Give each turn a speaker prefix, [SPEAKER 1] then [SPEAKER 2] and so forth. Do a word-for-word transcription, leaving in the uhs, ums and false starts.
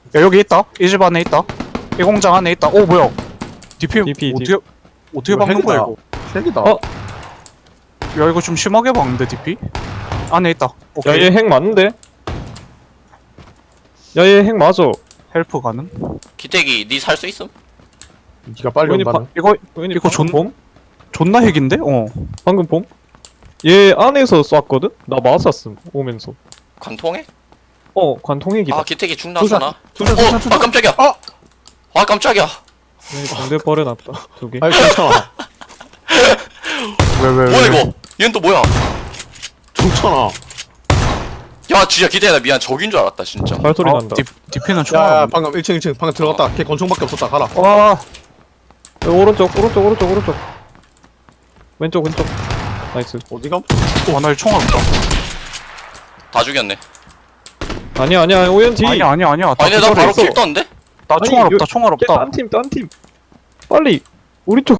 [SPEAKER 1] 야 여기 있다. 이 집 안에 있다. 이 공장 안에 있다. 오 뭐야? 디피
[SPEAKER 2] 디피,
[SPEAKER 1] 어떻게 어떻게
[SPEAKER 3] 이거
[SPEAKER 1] 박는 거야
[SPEAKER 3] 핵이다.
[SPEAKER 1] 이거?
[SPEAKER 3] 핵이다.
[SPEAKER 2] 어?
[SPEAKER 1] 야 이거 좀 심하게 박는데 디피? 안에 있다.
[SPEAKER 2] 야
[SPEAKER 1] 오케이.
[SPEAKER 2] 얘 핵 맞는데? 야 얘 핵 맞아.
[SPEAKER 1] 헬프 가능?
[SPEAKER 4] 기태기 니 살 수 있음?
[SPEAKER 3] 니가 빨리
[SPEAKER 2] 우연히
[SPEAKER 3] 온다는.
[SPEAKER 1] 이거
[SPEAKER 2] 우연히
[SPEAKER 1] 이거
[SPEAKER 2] 방금
[SPEAKER 1] 존-
[SPEAKER 2] 봄?
[SPEAKER 1] 존나 핵인데? 어.
[SPEAKER 2] 방금 봄? 얘 안에서 쐈거든? 나 맞았음 오면서.
[SPEAKER 4] 관통해?
[SPEAKER 2] 어 관통핵이다.
[SPEAKER 4] 아 기태기 중나잖아.
[SPEAKER 3] 투샷,
[SPEAKER 4] 어!
[SPEAKER 3] 투샷, 투샷.
[SPEAKER 4] 아 깜짝이야.
[SPEAKER 3] 어!
[SPEAKER 4] 아 깜짝이야.
[SPEAKER 2] 여기 공대 버려놨다 두 개.
[SPEAKER 3] 아이 괜찮아.
[SPEAKER 1] 왜 왜 왜?
[SPEAKER 4] 뭐야 이거? 얘는 또 뭐야?
[SPEAKER 3] 좋잖아.
[SPEAKER 4] 야 진짜 기태야 나 미안 적인 줄 알았다 진짜.
[SPEAKER 2] 발소리
[SPEAKER 1] 어,
[SPEAKER 2] 난다.
[SPEAKER 1] 디, 디피는 총알
[SPEAKER 3] 야, 야
[SPEAKER 1] 없네.
[SPEAKER 3] 방금 일 층 일 층 방금 들어갔다. 걔 권총밖에 없었다. 가라.
[SPEAKER 1] 와.
[SPEAKER 2] 야, 오른쪽 오른쪽 오른쪽 오른쪽. 왼쪽 왼쪽. 나이스.
[SPEAKER 3] 어디가?
[SPEAKER 1] 와나 총알 없다.
[SPEAKER 4] 다 죽였네.
[SPEAKER 2] 아니야 아니야 오연지.
[SPEAKER 1] 아니야 아니야 아니야. 다
[SPEAKER 4] 아니 나
[SPEAKER 1] 기절해
[SPEAKER 4] 바로
[SPEAKER 1] 있어.
[SPEAKER 4] 길 떴는데?
[SPEAKER 1] 나
[SPEAKER 2] 아니,
[SPEAKER 1] 총알
[SPEAKER 2] 요-
[SPEAKER 1] 없다. 총알 없다.
[SPEAKER 2] 딴팀 딴팀. 빨리 우리 쪽.